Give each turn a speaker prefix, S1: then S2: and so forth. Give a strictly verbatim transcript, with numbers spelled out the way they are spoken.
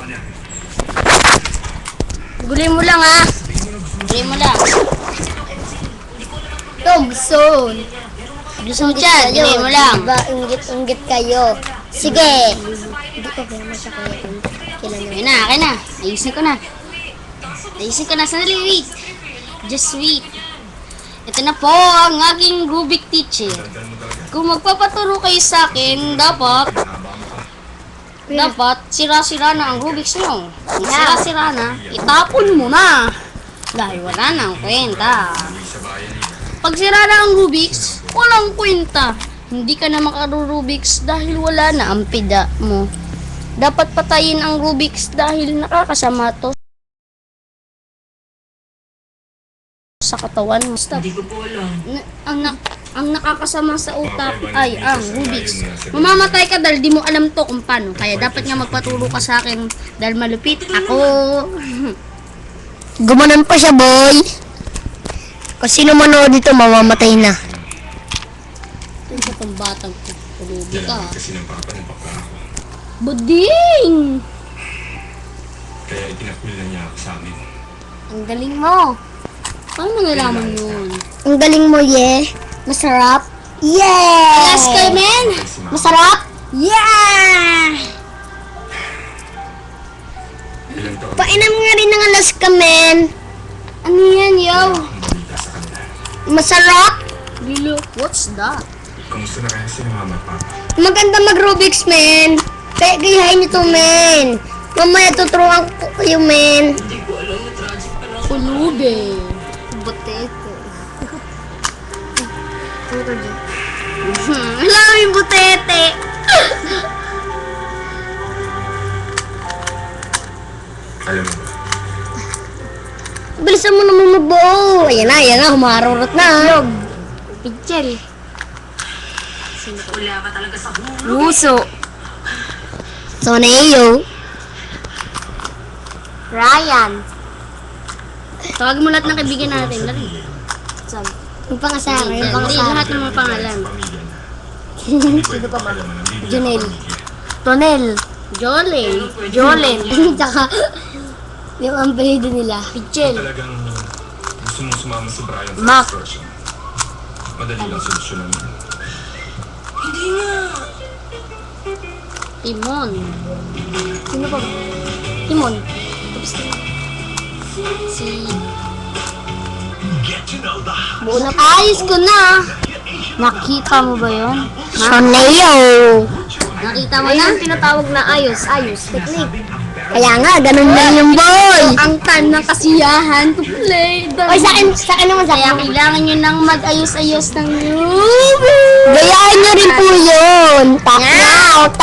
S1: Gulin mo lang ha. Gulin mo lang.
S2: Thompson.
S1: Gusto mo dyan, gulin mo lang.
S2: Diba, inggit-inggit kayo. Sige. Hindi ko ba sa kaya kailan
S1: Ayun na, akin na. Ayusin ko na. Ayusin ko na. Sandali, wait. Just wait. Ito na po ang aking Rubik teacher. Kung magpapaturo kayo sa akin, dapat dapat sira-sira na ang Rubik's nyo. Kung sira-sira na, itapon mo na. Dahil wala na ang kwenta. Pag sira na ang Rubik's, walang kwenta. Hindi ka na makaru-Rubik's dahil wala na ang pida mo. Dapat patayin ang Rubik's dahil nakakasama to sa katawan mo. Stop.
S3: Hindi ko po alam.
S1: Na, ang, na, ang nakakasama sa utak ay ang Rubik's. Mamamatay ka dahil di mo alam to kung paano. Kaya dapat nga magpaturo ka sa akin dahil malupit ako.
S2: Gumanon pa siya, boy. Kung sino manood dito, mamamatay na.
S1: Ito sa pang batang ko. Pulubi ka.
S4: Kasi ng papa ng papa ako.
S1: Buding!
S4: Kaya itinakwil na niya ako sa amin.
S1: Ang galing mo. Paano mo nalaman yun?
S2: Ang galing mo, yeah. Masarap. Yeah!
S1: Yes, Carmen!
S4: Si mama,
S2: Masarap? Yeah!
S4: ilang taon
S2: Painom nga rin ng alas ka, men.
S1: Ano yan, yo?
S4: akong balita sa kanila.
S2: Masarap?
S1: Bilo, what's that?
S4: Kamusta na kaya sila mama at papa?
S2: Maganda mag-Rubik's, men. Kaya gayahin niyo to, men. Mamaya tuturuan ko kayo, men.
S3: Hindi ko alam na tragic pa lang.
S1: Pulubi.
S2: Butete.
S1: Hmm, alam yung butete.
S4: Alam mo ba?
S2: Bilisan mo naman magbuo. Ayan na, ayan na. Humarurot na.
S1: Pichel.
S3: Wala ka talaga sa hulog.
S1: Puso.
S2: Soneo.
S1: Ryan. Tawagin mo lahat ng kaibigan natin. Dali. Sabi.
S2: Yung pangasara, yung
S1: Hindi,
S2: pangasara.
S1: lahat ng mga pangalan.
S4: Pamilya na. Hindi pwede pa ba?
S2: Janelle.
S1: Tonel. Jolen. Jolen.
S2: Tsaka, yung ampehido nila.
S1: Pichel.
S4: Talagang gusto mong sumama si Brian sa
S1: Mac.
S4: excursion. Madali lang solusyonan mo.
S3: Hindi nga.
S1: Timon.
S2: Sino pa ba?
S1: Timon. Si...
S2: Buo na
S1: Ayos ko na. Nakita mo ba yun?
S2: Soneo.
S1: Nakita mo
S2: Ayun
S1: na?
S2: ang tinatawag na ayos. Ayos. Technique. Kaya nga, ganun lang yung boy.
S1: Ang tan ng kasiyahan to play the...
S2: Oy, sa akin, sa akin naman, sa
S1: Kaya
S2: akin.
S1: kailangan nyo nang mag-ayos-ayos ng Rubik.
S2: Gayahin nyo rin po yun. Tap na, o